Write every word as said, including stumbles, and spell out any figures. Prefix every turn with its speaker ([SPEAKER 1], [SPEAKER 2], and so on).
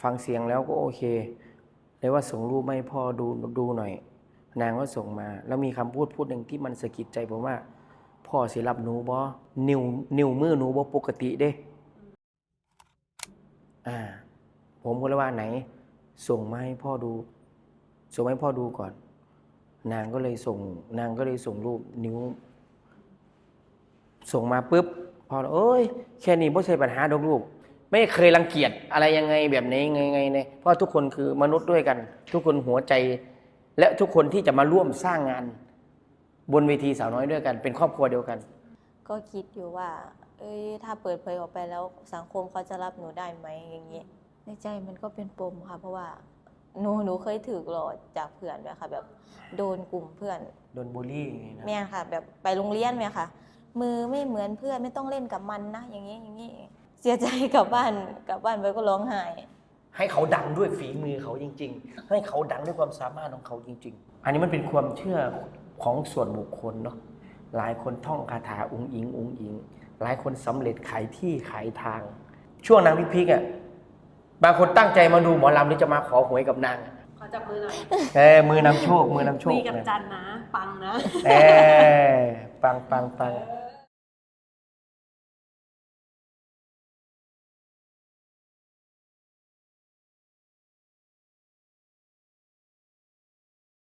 [SPEAKER 1] ฟังเสียงแล้วก็โอเคเลยว่าส่งรูปให้พ่อดูดูหน่อยนางก็ส่งมาแล้วมีคำพูดพูดหนึ่งที่มันสะกิดใจผมว่าพ่อสิรับหนูบ่นิ้วนิ้วมือหนูบ่ปกติเด้อ่าผมก็เลยว่าไหนส่งมาให้พ่อดูส่งมาให้พ่อดูก่อนนางก็เลยส่งนางก็เลยส่งรูปนิ้วส่งมาปุ๊บพอเอ้ยแค่นี้ไม่ใช่ปัญหาดอกลูกไม่เคยรังเกียจอะไรยังไงแบบนี้ไงไงเนี่ยเพราะทุกคนคือมนุษย์ด้วยกัน ทุกคนหัวใจและทุกคนที่จะมาร่วมสร้างงานบนเวทีสาวน้อยด้วยกันเป็นครอบครัวเดียวกัน
[SPEAKER 2] ก็คิดอยู่ว่าเอ้ยถ้าเปิดเผยออกไปแล้วสังคมเขาจะรับหนูได้ไหมอย่างนี้ในใจมันก็เป็นปมค่ะเพราะว่าหนูหนูเคยถือหลอกจากเพื่อนด้วยค่ะแบบโดนกลุ่มเพื่อน
[SPEAKER 1] โดนบูลลี่อย่างนี้นะ
[SPEAKER 2] แม่ค่ะแบบไปโรงเรียนแม่ค่ะมือไม่เหมือนเพื่อนไม่ต้องเล่นกับมันนะอย่างนี้อย่างนี้เสียใจกลับบ้านกลับบ้านไปก็ร้องไห้
[SPEAKER 1] ให้เขาดังด้วยฝีมือเขาจริงๆให้เขาดังด้วยความสามารถของเขาจริงๆอันนี้มันเป็นความเชื่อของส่วนบุคคลเนาะหลายคนท่องคาถาอุ้งอิงอุ้งอิงหลายคนสำเร็จขายที่ขายทางช่วงนางพิพิกอ่ะบางคนตั้งใจมาดูหมอลำหรือจะมาขอหวยกับนาง
[SPEAKER 3] ขอจับมือหน่อย
[SPEAKER 1] เออมือนำโชคมือนำโชค
[SPEAKER 3] คุยกับจันนะปังนะ
[SPEAKER 1] เออปังปังปัง